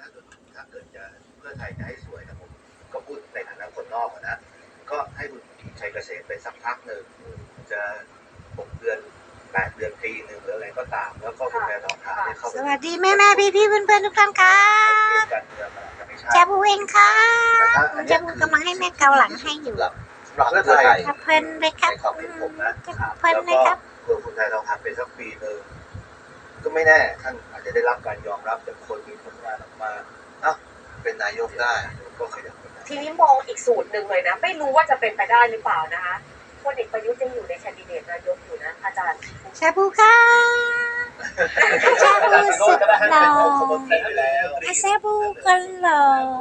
ถ้าเกิดจะเพื่อไทยจะให้สวยนะผมก็พูดในฐานะคนนอกนะก็ให้คุณชัยเกษมไปสักพักหนึ่งจะ6 เดือน8 เดือนปีหนึ่งหรืออะไรก็ตามแล้วก็คุณแม่ทองทานได้เข้าไปสวัสดีแม่พี่เพื่อนทุกท่านค่ะการเมืองมันอาจจะไม่ใช่ชาบูเองค่ะชาบูกำลังให้แม่เกาหลังให้อยู่สำหรับเพื่อไทยครับเพลินเลยครับในความเห็นผมนะเพลินเลยครับแล้วก็คุณแม่ทองทานไปสักปีหนึ่งก็ไม่แน่ท่านอาจจะได้รับการยอมรับจากคนมีผลงานออกมาเป็นนายกได้ก็ขยับไปได้ทีนี้มองอีกสูตรหนึ่งเลยนะไม่รู้ว่าจะเป็นไปได้หรือเปล่านะคะพลเอกประยุทธ์ยังอยู่ในแคนดิเดตนายกอยู่นะอาจารย์ชาบูค่ะชาบูสุดหล่อชาบูกันหล่อ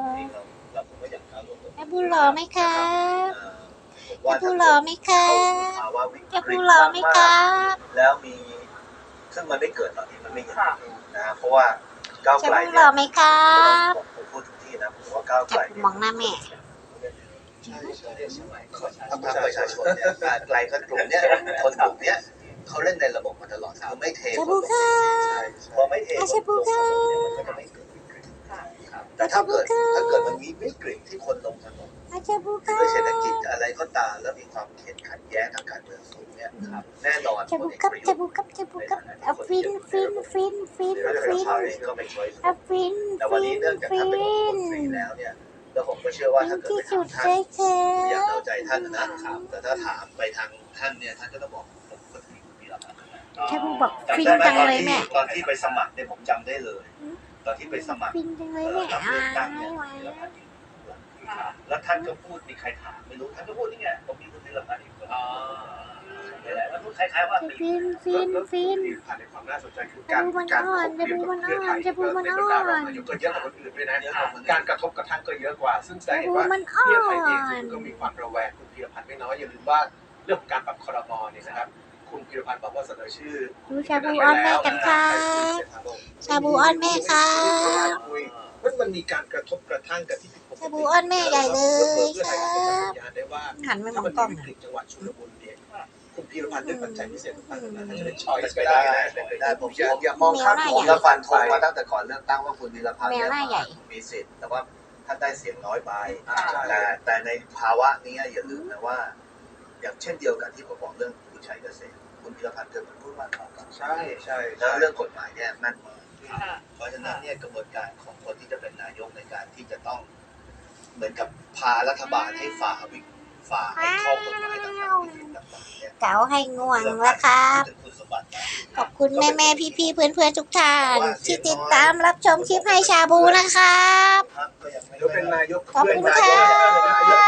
ชาบูหล่อไหมคะชาบูหล่อไหมคะชาบูหล่อไหมคะแล้วมีซึ่งมันไม่เกิดตอนนี้มันไม่เห็นนะเพราะว่าก้าวชาไกลบูหล่อไหมคะผมพูดทุกที่นะผมว่าก้าวไกลจะมองหน้าแม่ใช่พรรคประชาชนเนี่ยไกลก็กลุ่มเนี้ยคนกลุ่มเนี้ยเขาเล่นในระบบมาตลอดคือไม่เทชาบูค่ะพอไม่เทชาบูค่ะมันก็จะไม่เกิดวิกฤตแต่ถ้าเกิดมันมีวิกฤตที่คนลงถนนชาบูค่ะด้วยเศรษฐกิจอะไรก็ตามแล้วมีความขัดแย้งทางการเมืองสูงเนี่ยแน่นอนชาบูครับชาบูครับชาบูครับเอาฟินฟินฟินฟินฟินก็ไม่ช่วยเอาฟินแต่วันฟินี้นเนื่องจากฟิท่านเป็นองค์นมนตรีแล้วเนี่ยแล้วผมก็เชื่อว่าถ้าเกิดที่ไปสุถามดท่านเลยค่ะอยากเอาใจท่านนะครับแต่ถ้าถามไปทางท่านเนี่ยท่านก็ต้องบอกผมคนที่มีรับชาบูบอกฟินจังเลยแม่ตอนที่ไปสมัครเนี่ยผมจำได้เลย ตอนที่ไปสมัครฟินจังเลยแม่รับเลือกตั้งไม่เนี่ยไหวมีรับพันธ์แล้วท่านก็พูดมีใครถามไม่รู้ท่านก็พูดนี่ไงผมมีคุณธีรพันธ์อีกคนแล้วพูดคล้ายๆว่าฟินฟินฟินผ่านในความน่าสนใจคือชาบูมันอ่อนชาบูมันอ่อนชาบูมันอ่อนนายกก็เยอะกว่าคนอื่นด้วยนะการกระทบกระทั่งก็เยอะกว่า ซึ่งแสดชาง บูว่ามันอ่อเพื่อไทยเองนก็มีความระแวงคุณพีรพันธ์ไม่น้อยอย่าลืมว่าเรื่องของการปรับครม.เนี่ยนะครับคุณพีรพันธ์บอกว่าเสนอชื่อดูชาบูอ้อนแม่กันค่ะชาบูอ้อนแม่ค่ะมันมีการกระทบกระทั่งกับที่ผิดปกติชาบูอ้อนแม่ใหญ่เลยครับสัญญาณได้ว่าหันไปมถ้าองมันกล้องมีวิกฤตจังหวัดชุลมุนเนี่ยคุณพีรพันธ์ด้วยปัจจัยพิเศษต่างๆนั้นจะเป็นช้ช้ออย ยส์ไปไปได้ได้ไปได้ผมอย่ามองข้ามผมแล้วฟันธงมาตั้งแต่ก่อนเลือกตั้งว่าคุณธีรพันธ์เนี่ยมีสิทธิ์แต่ว่าท่านได้เสียงน้อยไปแต่ในภาวะนี้อย่าลืมนะว่า อย่างเช่นเดียวกันที่ผมบอกเรื่องคุณชัยเกษมคุณธีรพันธ์เกิดเป็นผู้ว่าการใช่ใช่แล้วเรื่องกฎหมายเนี่ยแม่นมากเพราะฉะนั้นเนี่ยกระบวนการของคนที่จะเป็นนายกในการที่จะต้องเหมือนกับพารัฐบาลให้ฝ่าให้ข้อกฎหมายต่างๆที่ต่างๆเนี่ยเก๋าให้ง่วงแล้วครับคุณสมบัตินะขอบคุณแม่พี่เพื่อนทุกท่านที่ติดตามรับชมคลิปให้ชาบูนะครับพรรคก็ยังไม่เดี๋ยวเป็นนายกขอบคุณค่ะ